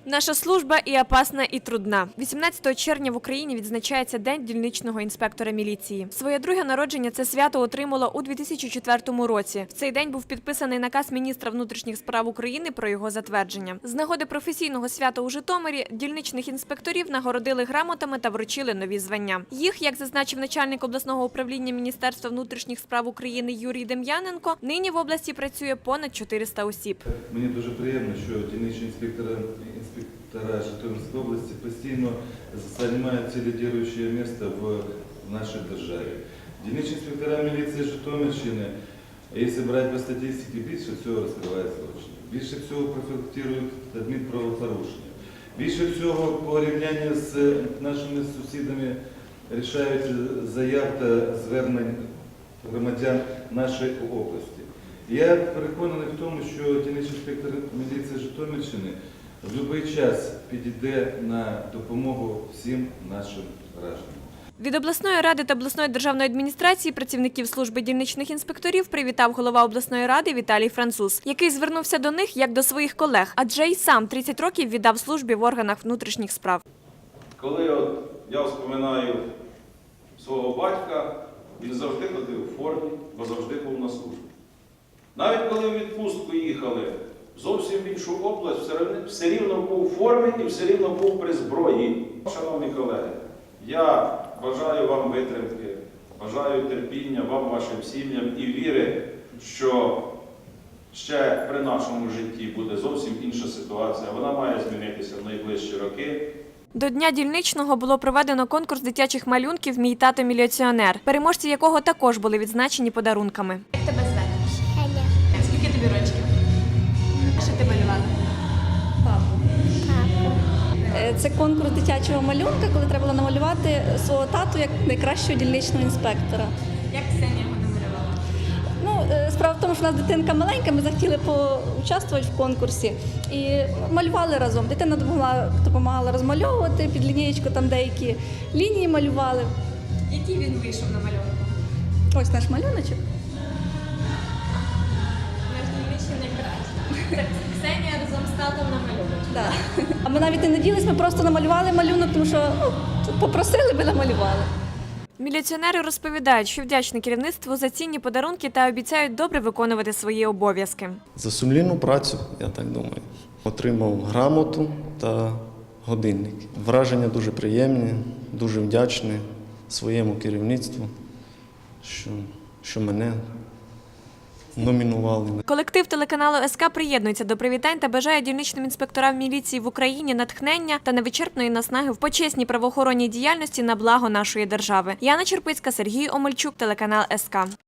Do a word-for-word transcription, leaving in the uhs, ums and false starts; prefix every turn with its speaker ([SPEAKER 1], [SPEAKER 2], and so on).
[SPEAKER 1] Наша служба і опасна, і трудна. вісімнадцятого червня в Україні відзначається День дільничного інспектора міліції. Своє друге народження це свято отримало у дві тисячі четвертому році. В цей день був підписаний наказ міністра внутрішніх справ України про його затвердження. З нагоди професійного свята у Житомирі дільничних інспекторів нагородили грамотами та вручили нові звання. Їх, як зазначив начальник обласного управління Міністерства внутрішніх справ України Юрій Дем'яненко, нині в області працює понад чотириста осіб.
[SPEAKER 2] Мені дуже приємно, що дільничні інспектори инспектора Житомирской области постійно занимают лидирующее место в нашей державе. Дільничні інспектора міліції Житомирщини, якщо брати по статистиці, більше всього розкривають злочини, більше всього профілактують адмінправопорушення, більше всього по порівнянні з нашими сусідами рішають заяв та звернень громадян нашої області. Я переконаний в тому, що дільничний інспектор міліції Житомирщини в будь-який час підійде на допомогу всім нашим гражданам.
[SPEAKER 1] Від обласної ради та обласної державної адміністрації працівників служби дільничних інспекторів привітав голова обласної ради Віталій Француз, який звернувся до них як до своїх колег, адже й сам тридцять років віддав службі в органах внутрішніх справ.
[SPEAKER 3] Коли от я вспоминаю свого батька, він завжди ходив у формі, бо завжди був на службі. Навіть коли в відпустку їхали в зовсім іншу область, все рівно був у формі і все рівно був при зброї. Шановні колеги, я бажаю вам витримки, бажаю терпіння вам, вашим сім'ям і віри, що ще при нашому житті буде зовсім інша ситуація. Вона має змінитися в найближчі роки.
[SPEAKER 1] До Дня дільничного було проведено конкурс дитячих малюнків «Мій тато міліціонер», переможці якого також були відзначені подарунками.
[SPEAKER 4] Як тебе звати?
[SPEAKER 5] Аня.
[SPEAKER 4] Скільки тобі років? Що ти малювала?
[SPEAKER 5] Папу.
[SPEAKER 6] Це конкурс дитячого малюнка, коли треба було намалювати свого тату як найкращого дільничного інспектора.
[SPEAKER 4] Як Ксенія його намалювала?
[SPEAKER 6] Ну, е, справа в тому, що в нас дитинка маленька, ми захотіли поучаствувати в конкурсі і малювали разом. Дитина допомагала, допомагала розмальовувати, під лінієчку там деякі лінії малювали.
[SPEAKER 4] Який він вийшов на малюнку?
[SPEAKER 6] Ось наш малюночок.
[SPEAKER 4] Наш дільничний найкращий. Це Ксенія разом з татом намалювала.
[SPEAKER 6] Да. А ми навіть не надіялись, ми просто намалювали малюнок, тому що ну, попросили, ми намалювали.
[SPEAKER 1] Міліціонери розповідають, що вдячні керівництву за цінні подарунки та обіцяють добре виконувати свої обов'язки.
[SPEAKER 7] За сумлінну працю, я так думаю. Отримав грамоту та годинник. Враження дуже приємні, дуже вдячний своєму керівництву, що, що мене номінували.
[SPEAKER 1] Колектив телеканалу ес ка приєднується до привітань та бажає дільничним інспекторам міліції в Україні натхнення та невичерпної наснаги в почесній правоохоронній діяльності на благо нашої держави. Яна Черпицька, Сергій Омельчук, телеканал ес ка.